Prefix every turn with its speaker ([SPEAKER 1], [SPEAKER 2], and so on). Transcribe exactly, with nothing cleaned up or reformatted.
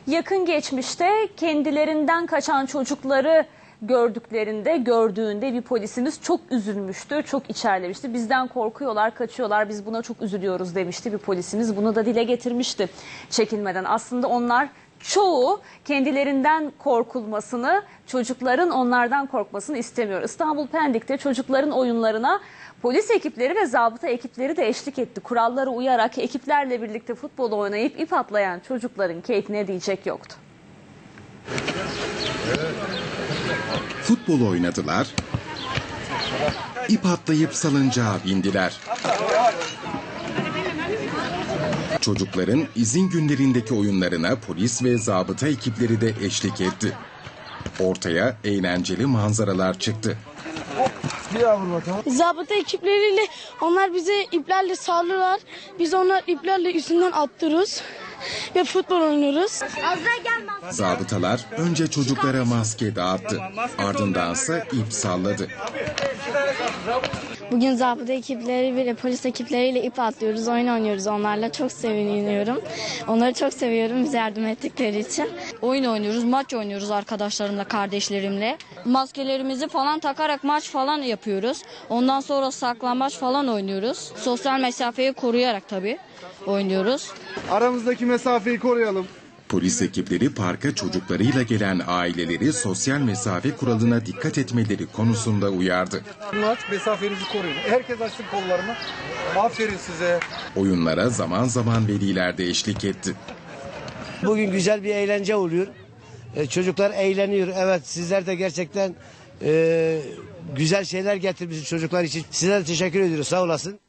[SPEAKER 1] Yakın geçmişte kendilerinden kaçan çocukları gördüklerinde, gördüğünde bir polisimiz çok üzülmüştü, çok içerlemişti. Bizden korkuyorlar, kaçıyorlar, biz buna çok üzülüyoruz demişti bir polisimiz. Bunu da dile getirmişti çekinmeden. Aslında onlar çoğu kendilerinden korkulmasını, çocukların onlardan korkmasını istemiyor. İstanbul Pendik'te çocukların oyunlarına polis ekipleri ve zabıta ekipleri de eşlik etti. Kurallara uyarak ekiplerle birlikte futbol oynayıp ip atlayan çocukların keyfine diyecek yoktu.
[SPEAKER 2] Futbol oynadılar, ip atlayıp salıncağa bindiler. Çocukların izin günlerindeki oyunlarına polis ve zabıta ekipleri de eşlik etti. Ortaya eğlenceli manzaralar çıktı.
[SPEAKER 3] Zabıta ekipleriyle onlar bize iplerle sallıyorlar. Biz onlar iplerle üstünden attırıyoruz ve futbol oynuyoruz.
[SPEAKER 2] Zabıtalar önce çocuklara maske dağıttı. Ardındansa ip salladı.
[SPEAKER 3] Bugün zabıta ekipleri ve polis ekipleriyle ip atlıyoruz, oyun oynuyoruz onlarla. Çok seviniyorum. Onları çok seviyorum bize yardım ettikleri için.
[SPEAKER 4] Oyun oynuyoruz, maç oynuyoruz arkadaşlarımla, kardeşlerimle. Maskelerimizi falan takarak maç falan yapıyoruz. Ondan sonra saklambaç falan oynuyoruz. Sosyal mesafeyi koruyarak tabii oynuyoruz.
[SPEAKER 5] Aramızdaki mesafeyi koruyalım.
[SPEAKER 2] Polis ekipleri parka çocuklarıyla gelen aileleri sosyal mesafe kuralına dikkat etmeleri konusunda uyardı.
[SPEAKER 5] Mesafenizi koruyun. Herkes açsın kollarını. Aferin size.
[SPEAKER 2] Oyunlara zaman zaman veliler de eşlik etti.
[SPEAKER 6] Bugün güzel bir eğlence oluyor. Ee, çocuklar eğleniyor. Evet, sizler de gerçekten e, güzel şeyler getirmişsiniz çocuklar için. Size de teşekkür ediyoruz. Sağ olasın.